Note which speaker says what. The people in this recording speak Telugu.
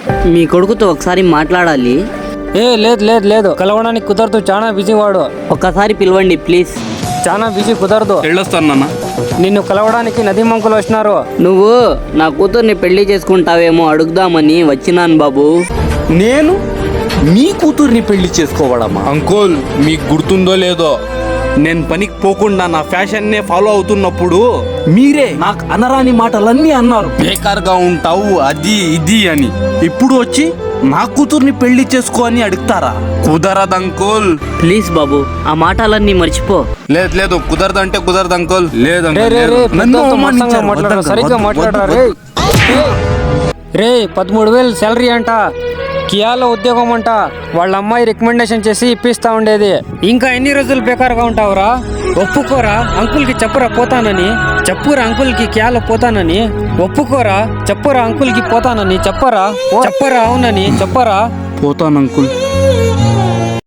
Speaker 1: మీ కొడుకుతో ఒకసారి మాట్లాడాలి.
Speaker 2: లేదు కలవడానికి కుదరదు, చాలా బిజీ వాడు.
Speaker 1: ఒక్కసారి పిలవండి ప్లీజ్.
Speaker 2: చాలా బిజీ, కుదరదు.
Speaker 3: వెళ్ళొస్తాను నాన్న.
Speaker 2: నిన్ను కలవడానికి నది మంకులు వచ్చినారు.
Speaker 1: నువ్వు నా కూతుర్ని పెళ్లి చేసుకుంటావేమో అడుగుదామని వచ్చినాను బాబు.
Speaker 3: నేను మీ కూతుర్ని పెళ్లి చేసుకోవడమా? అంకుల్, మీకు గుర్తుందో లేదో, నేను పనికి పోకుండా నా ఫ్యాషన్నే ఫాలో అవుతున్నప్పుడు మీరే నాకు అనరాని మాటలన్నీ అన్నారు. బేకార్గా ఉంటావు అది ఇది అని. ఇప్పుడు వచ్చి నా కూతుర్ని పెళ్లి చేసుకో అని అడుగుతారా? కుదరదు అంకుల్.
Speaker 1: ప్లీజ్ బాబు, ఆ మాటలన్నీ మర్చిపో.
Speaker 3: లేదు కుదరదంటే కుదరదు అంకుల్. లేదంటే
Speaker 2: సరిగ్గా మాట్లాడరా రే. 13,000 శాలరీ అంట, కియాలో ఉద్యోగం అంట. వాళ్ళ అమ్మాయి రికమెండేషన్ చేసి ఇప్పిస్తా ఉండేది. ఇంకా ఎన్ని రోజులు బేకార్గా ఉంటావురా? ఒప్పుకోరా, అంకుల్కి చెప్పురా పోతానని. చెప్పురా అంకుల్కి కియాలో పోతానని. ఒప్పుకోరా, చెప్పురా అంకుల్కి పోతానని. చెప్పరా అవునని చెప్పరా.
Speaker 3: పోతాను అంకుల్.